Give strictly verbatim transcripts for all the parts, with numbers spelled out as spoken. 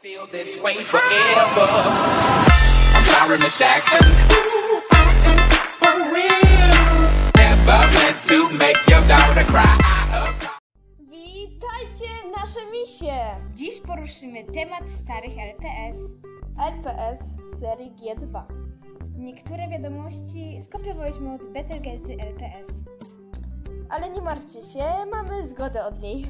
Feel this way forever. I'm sorry, Miss Jackson. For real. Never meant to make your daughter cry. Witajcie, nasze misie! Dziś poruszymy temat starych L P S. L P S serii G dwa. Niektóre wiadomości skopiowaliśmy od Betelgezy L P S. Ale nie martwcie się, mamy zgodę od niej.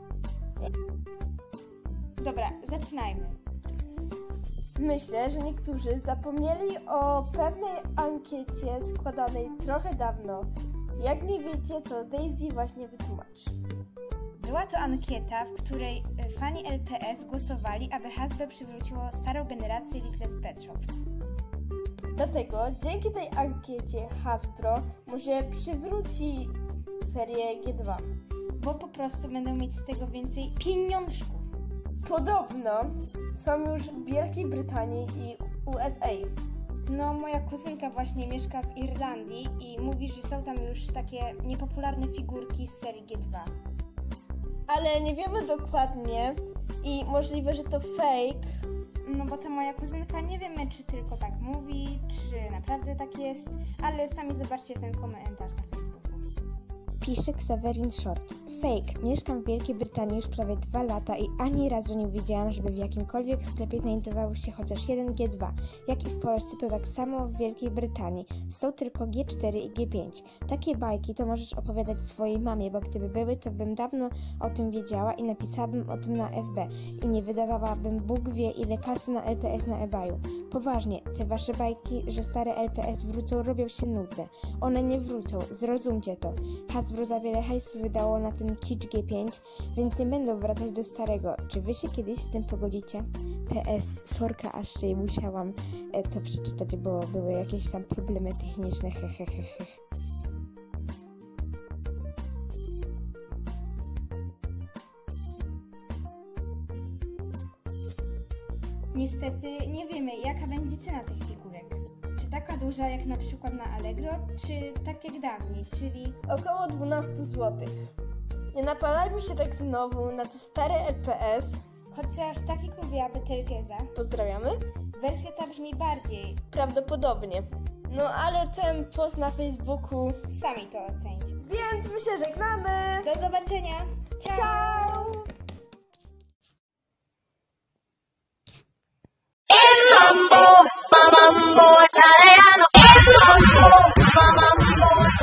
Dobra, zaczynajmy. Myślę, że niektórzy zapomnieli o pewnej ankiecie składanej trochę dawno. Jak nie wiecie, to Daisy właśnie wytłumaczy. Była to ankieta, w której fani L P S głosowali, aby Hasbro przywróciło starą generację Leafless Pet Shop. Dlatego dzięki tej ankiecie Hasbro może przywróci serię G dwa. Bo po prostu będą mieć z tego więcej pieniążków. Podobno są już w Wielkiej Brytanii i U S A. No, moja kuzynka właśnie mieszka w Irlandii i mówi, że są tam już takie niepopularne figurki z serii G dwa. Ale nie wiemy dokładnie i możliwe, że to fake. No bo ta moja kuzynka, nie wiemy, czy tylko tak mówi, czy naprawdę tak jest, ale sami zobaczcie ten komentarz na Facebooku. Pisze Xaverin Short. Fake. Mieszkam w Wielkiej Brytanii już prawie dwa lata i ani razu nie widziałam, żeby w jakimkolwiek sklepie znajdował się chociaż jeden G dwa. Jak i w Polsce, to tak samo w Wielkiej Brytanii. Są tylko G cztery i G pięć. Takie bajki to możesz opowiadać swojej mamie, bo gdyby były, to bym dawno o tym wiedziała i napisałabym o tym na F B. I nie wydawałabym Bóg wie ile kasy na L P S na eBayu. Poważnie, te wasze bajki, że stare L P S wrócą, robią się nudne. One nie wrócą, zrozumcie to. Hasbro za wiele hajsu wydało na ten kicz G pięć, więc nie będą wracać do starego. Czy wy się kiedyś z tym pogodzicie? P S, sorka, aż się musiałam e, to przeczytać, bo były jakieś tam problemy techniczne, hehehehe. Niestety nie wiemy, jaka będzie cena tych figurek. Czy taka duża jak na przykład na Allegro, czy tak jak dawniej, czyli Około dwanaście złotych. Nie napalajmy się tak znowu na te stare L P S. chociaż tak jak mówiła Betelgeza, Pozdrawiamy. wersja ta brzmi bardziej. Prawdopodobnie. No ale ten post na Facebooku. Sami to ocencie. Więc my się żegnamy. Do zobaczenia! Ciao! Ciao! El mambo, mambo italiano, el mambo, mambo